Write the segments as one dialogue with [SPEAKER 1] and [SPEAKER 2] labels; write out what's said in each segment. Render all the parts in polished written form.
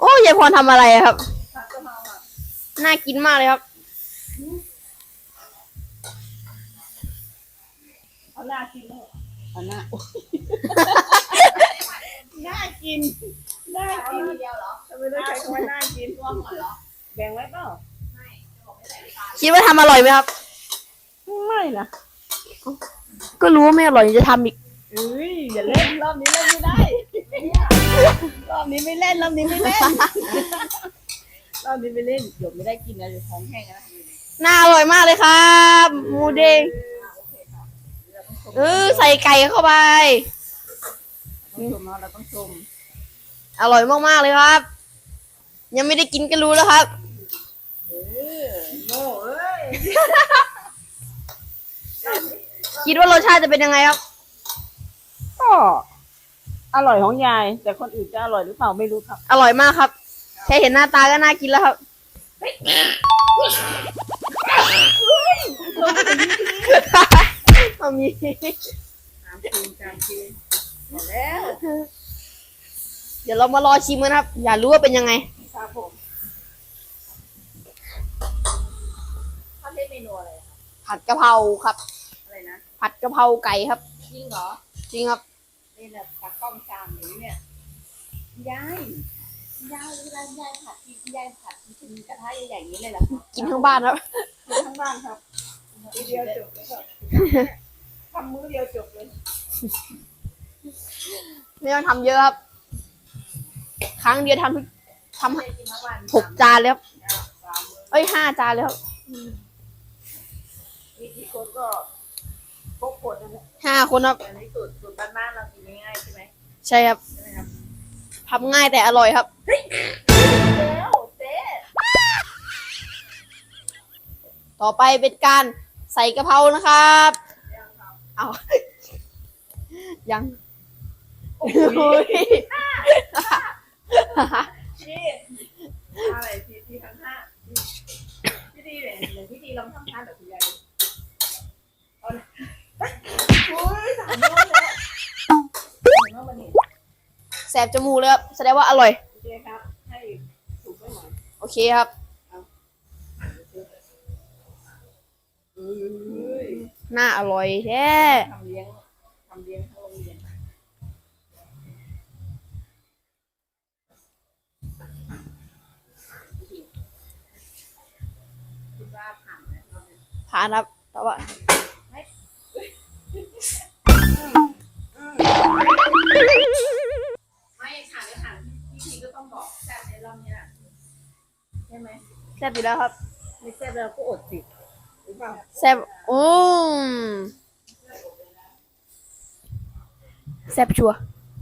[SPEAKER 1] อ้ยายพรทำอะไรครับ
[SPEAKER 2] ผัดกะเพราค่ะ
[SPEAKER 1] น่ากินมากเลยครับ
[SPEAKER 2] เอาหน้ากินเลยเอาหน้าน่ากินน่ากินเดียวเหรอทำไมต้องใช้คำว่าน่ากินร่วมเหรอแบ่งไว้เปล่าไม่จะบอกไม่ใส่น้ำตาล
[SPEAKER 1] คิดว่าทำอร่อยไหมครับ
[SPEAKER 2] ไม่นะ
[SPEAKER 1] ก็รู้ว่าไม่อร่อยจะทำอีก
[SPEAKER 2] เอ้ยอย่าเล่นรอบนี้เล่นไม่ได้รอบนี้ไม่เล่นรอบนี้ไม่เล่นรอบนี้ไม่เล่นเดี๋ยวไม่ได้กินนะเดี๋ยวท้องแห้งนะ
[SPEAKER 1] น่าอร่อยมากเลยครับหมูเด้งใส่ไก่เข้าไป
[SPEAKER 2] ต้องชมเราต้องชม
[SPEAKER 1] อร่อยมากๆเลยครับยังไม่ได้กินก็รู้แล้วครับ
[SPEAKER 2] โง่เอ้ย
[SPEAKER 1] คิดว่ารสชาติจะเป็นยังไงครับ
[SPEAKER 2] ก็อร่อยของยายแต่คนอื่นจะอร่อยหรือเปล่าไม่รู้ครับ
[SPEAKER 1] อร่อยมากครับแค่เห็นหน้าตาก็น่ากินแล้วครับมี
[SPEAKER 2] แล้ว
[SPEAKER 1] เดี๋ยวเรามารอชิมกันครับอยากรู้ว่าเป็นยังไง
[SPEAKER 2] ครับผมเขาเรียกเมนูอะไร
[SPEAKER 1] ผัดกะเพราครับ
[SPEAKER 2] อะไรนะ
[SPEAKER 1] ผัดกะเพราไก่ครับ
[SPEAKER 2] จริงเหรอ
[SPEAKER 1] จริงครับ
[SPEAKER 2] นี่แหละตักกล้องชามอย่างนี้เนี่ยยายเวลายายผัดยายผัดกินกระทะใหญ่ๆอย่างนี้เลยเหรอ
[SPEAKER 1] กินทั้งบ้านครับ
[SPEAKER 2] กินทั้งบ้านครับมื้อเดียวจบเลยครับทำมื้อเดียวจบเลย
[SPEAKER 1] ไม่ต้องทำเยอะครับครั้งเดียวทำ6 จานเลยครับ5 จานเลยครับ
[SPEAKER 2] วิธีคนก็พกขวดนั่นแหละ
[SPEAKER 1] 5 คนครับ
[SPEAKER 2] แต่ในสูตรบ้านๆเรากินง่ายๆใช่ไหม
[SPEAKER 1] ใช่ครับทำง่ายแต่อร่อยครับ
[SPEAKER 2] แล้วเจ๊
[SPEAKER 1] ต่อไปเป็นการใส่กะเพรานะครับเอายัง
[SPEAKER 2] โอ้ยนี่อะไรที่ทำท่าพี่ดีเลยเดี๋ยวพี่ดีลองทำท่าแบบคุณยายโอ้ยสามรอบแล้วเห็นว่าวันนี้
[SPEAKER 1] แสบจมูกเลยครับแสดงว่าอร่อย
[SPEAKER 2] โอเคครับให้ถูกไปหน่อย
[SPEAKER 1] โอเคครับน่าอร่อยแท้
[SPEAKER 2] ทำเลี้ยงทั้งโรงเรียนคิดว่าผ่านไหม
[SPEAKER 1] ผ่านครับแต่ว่า
[SPEAKER 2] ไม่ผ่านพี่ทีก็ต้องบอกแซ่บในรอบนี้แหละใช่ไหม
[SPEAKER 1] แซ่บอยู่แล้วครับ
[SPEAKER 2] ไม่แซ่บเราก็อดสิหรือเปล่า
[SPEAKER 1] แซ่บแซ่บชัว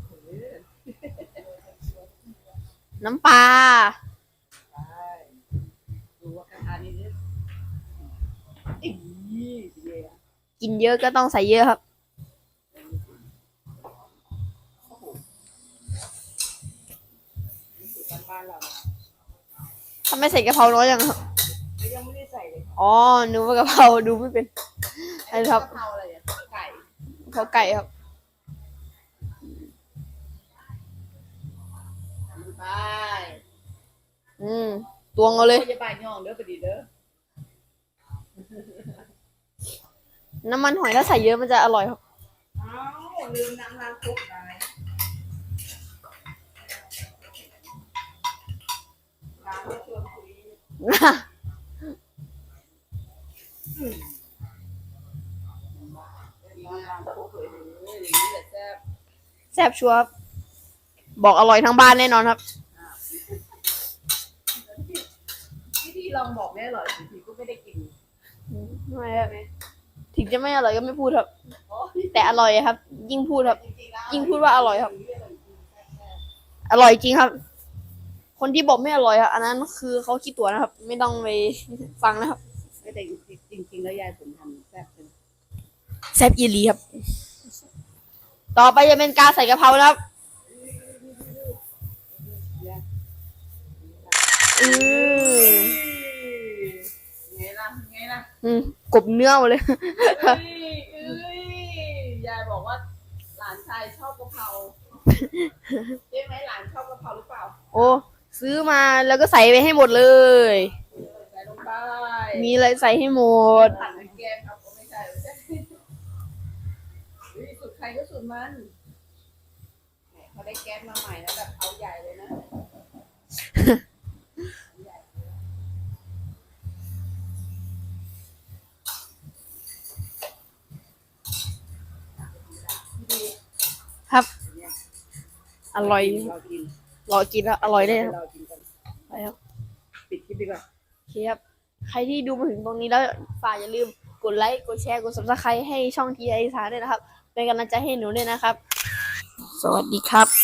[SPEAKER 1] น้ำปลา
[SPEAKER 2] ดูว่ากระทะนี้
[SPEAKER 1] กินเยอะก็ต้องใส่เยอะครับทำไมใส่กะเพราน้อยจังครับ
[SPEAKER 2] ยังไม่ได้ใส่เลย
[SPEAKER 1] อ๋อนึกว่ากะเพราดูไม่เป็นอะไรครับ
[SPEAKER 2] กะเพราอะไรอ่ะไก่
[SPEAKER 1] กะเพราไก่ครับ
[SPEAKER 2] ไป
[SPEAKER 1] ตวงเอาเลย
[SPEAKER 2] จะบายย่องเด้อไปดีเด้อ
[SPEAKER 1] น้ำมันหอยถ้าใส่เยอะมันจะอร่อยครับ
[SPEAKER 2] อ้าวลืมน้ำล้างคุกไปล้างแล้วชวนคุย
[SPEAKER 1] แซ่บชัวร์บอกอร่อยทั้งบ้านแน่นอนครับ
[SPEAKER 2] พี่ลองบอกแม่อร่อยทีก็ไม่ได้กิน
[SPEAKER 1] ไม่ครับถึงจะไม่อร่อยก็ไม่พูดครับแต่อร่อยครับยิ่งพูดครับยิ่งพูดว่าอร่อยครับอร่อยจริงครับคนที่บอกไม่อร่อยครับอันนั้นคือเขาคิดตัวนะครับไม่ต้องไปฟังนะครับ
[SPEAKER 2] แต่จริงๆแล้วยายผมทำแซ่บเลย
[SPEAKER 1] แซ่บอีหลีครับต่อไปจะเป็นการใส่กะเพรานะครับ
[SPEAKER 2] ไงล่ะ
[SPEAKER 1] กบเนื้อหมดเลย
[SPEAKER 2] ยายบอกว่าหลานชายชอบกะเพราใช่ไหมหลานชอบกะเพราหรือเปล่า
[SPEAKER 1] โอ้ซื้อมาแล้วก็ใส่ไปให้หมดเลย
[SPEAKER 2] ใส่ลงไป
[SPEAKER 1] มีอะไรใส่ให้หมด
[SPEAKER 2] ผัดแกงครับไม่ใช่ไม่ใช่สูตรใครก็สูตรมันเขาได้แก๊สมาใหม่แล้วแบบเอาใหญ่เลยนะดี
[SPEAKER 1] ครับ อร่อย
[SPEAKER 2] เรากิน
[SPEAKER 1] รอกินแล้วอร่อยเลยครับ
[SPEAKER 2] เรากินกัน
[SPEAKER 1] ไปครับ
[SPEAKER 2] ปิดคลิปดีกว่า
[SPEAKER 1] โอเคครับ ใครที่ดูมาถึงตรงนี้แล้วฝากอย่าลืมกดไลค์ กดแชร์ กด subscribe ให้ช่องทีไอสารด้วยนะครับ เป็นกำลังใจให้หนูด้วยนะครับ สวัสดีครับ